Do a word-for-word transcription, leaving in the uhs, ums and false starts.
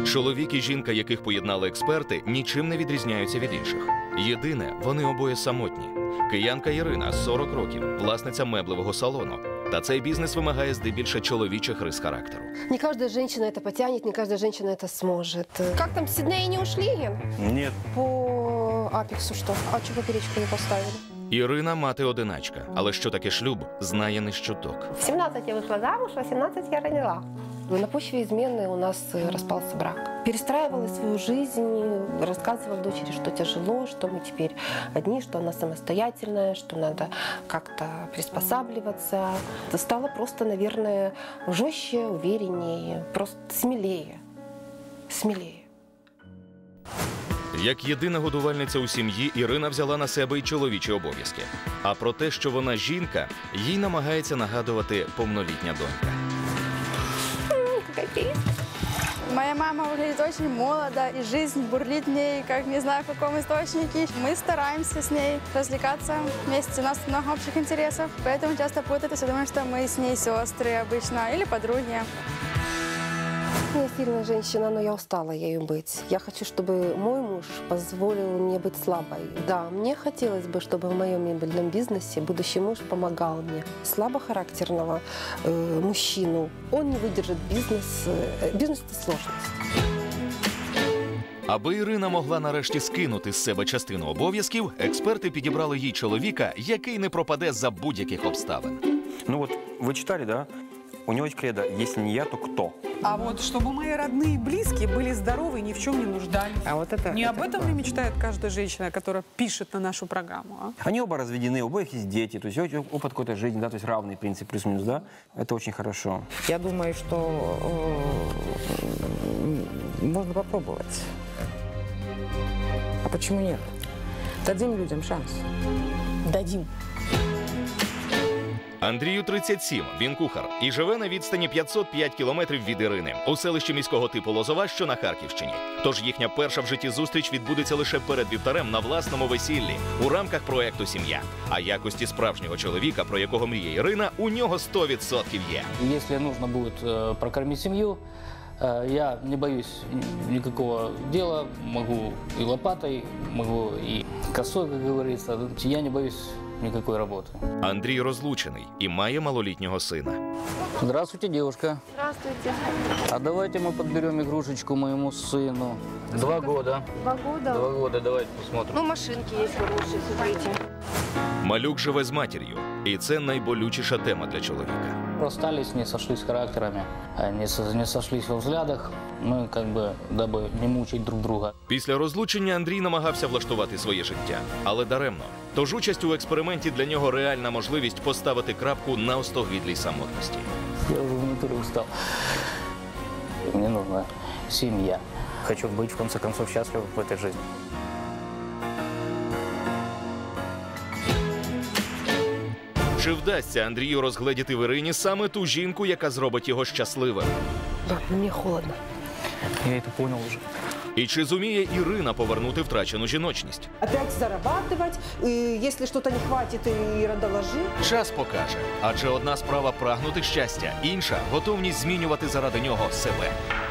Чоловік і жінка, яких поєднали експерти, нічим не відрізняються від інших. Єдине, вони обоє самотні. Киянка Ірина, сорок років, власниця меблевого салону. Та цей бізнес вимагає здебільше чоловічих рис характеру. Не каждая женщина это потянет, не каждая женщина это сможет. Как там, с Сиднея не ушли, Ген? Нет. По Апексу что? А что поперечку не поставили? Ірина – мати-одиначка, але що таке шлюб, знає не з чуток. В семнадцать я вышла замуж, в восемнадцать я родила. На почве измены у нас распался брак. Перестраивала свою жизнь, рассказывала дочери, что тяжело, что мы теперь одни, что она самостоятельная, что надо как-то приспосабливаться. Стала просто, наверное, жестче, увереннее, просто смелее. Смелее. Як єдина годувальниця у сім'ї, Ірина взяла на себе й чоловічі обов'язки. А про те, що вона жінка, їй намагається нагадувати повнолітня донька. Моя мама выглядит очень молодо, и жизнь бурлит в ней, как не знаю в каком источнике. Мы стараемся с ней развлекаться вместе, у нас много общих интересов, поэтому часто путают и все думают, что мы с ней сестры обычно или подруги. Я сильная женщина, но я устала ею быть. Я хочу, чтобы мой муж позволил мне быть слабой. Да, мне хотелось бы, чтобы в моем мебельном бизнесе будущий муж помогал мне. Слабохарактерного э, мужчину, он не выдержит бизнес. Э, бизнес – это сложность. Аби Ірина могла нарешті скинути з себе частину обов'язків, експерти підібрали їй чоловіка, який не пропаде за будь-яких обставин. Ну вот, вы читали, да? У него есть кредо «Если не я, то кто?». А вот чтобы мои родные и близкие были здоровы и ни в чем не нуждались. А вот это, не это об этом ли мечтает каждая женщина, которая пишет на нашу программу? А? Они оба разведены, у обоих есть дети, то есть опыт какой-то жизни, да, то есть равный принцип плюс-минус, да? Это очень хорошо. Я думаю, что э, можно попробовать. А почему нет? Дадим людям шанс. Дадим. Андрію тридцять сім, він кухар і живе на відстані п'ятсот п'ять кілометрів від Ірини, у селищі міського типу Лозова, що на Харківщині. Тож їхня перша в житті зустріч відбудеться лише перед вівтарем на власному весіллі, у рамках проєкту «Сім'я». А якості справжнього чоловіка, про якого мріє Ірина, у нього сто відсотків є. Если нужно будет э, прокормить семью, э, я не боюсь никакого дела, могу и лопатой, могу и косой, как говорится, я не боюсь никакой работы. Андрій розлучений і має малолітнього сина. Здравствуйте, девушка. Здравствуйте. А давайте мы подберем игрушечку моему сыну. Два года. Два года? Два года, давайте посмотрим. Ну, машинки есть хорошие, смотрите. Малюк живе з матір'ю, і це найболючіша тема для чоловіка. Расстались, не сошлись характерами, не, со, не сошлись во взглядах. Мы как бы, дабы не мучить друг друга. Після розлучення Андрій намагався влаштувати своє життя, але даремно. Тож участь у експерименті для нього реальна можливість поставити крапку на остогидлій самотності. Я уже в натуре устал. Мне нужна семья. Хочу быть, в конце концов, счастлив в этой жизни. Чи вдасться Андрію розгледіти в Ірині саме ту жінку, яка зробить його щасливим? Да, мне холодно. Я это понял уже. І чи зуміє Ірина повернути втрачену жіночність? Опять зарабатывать, и если что-то не хватит, Ира, доложи. Час покаже. Адже одна справа прагнути щастя, інша – готовність змінювати заради нього себе.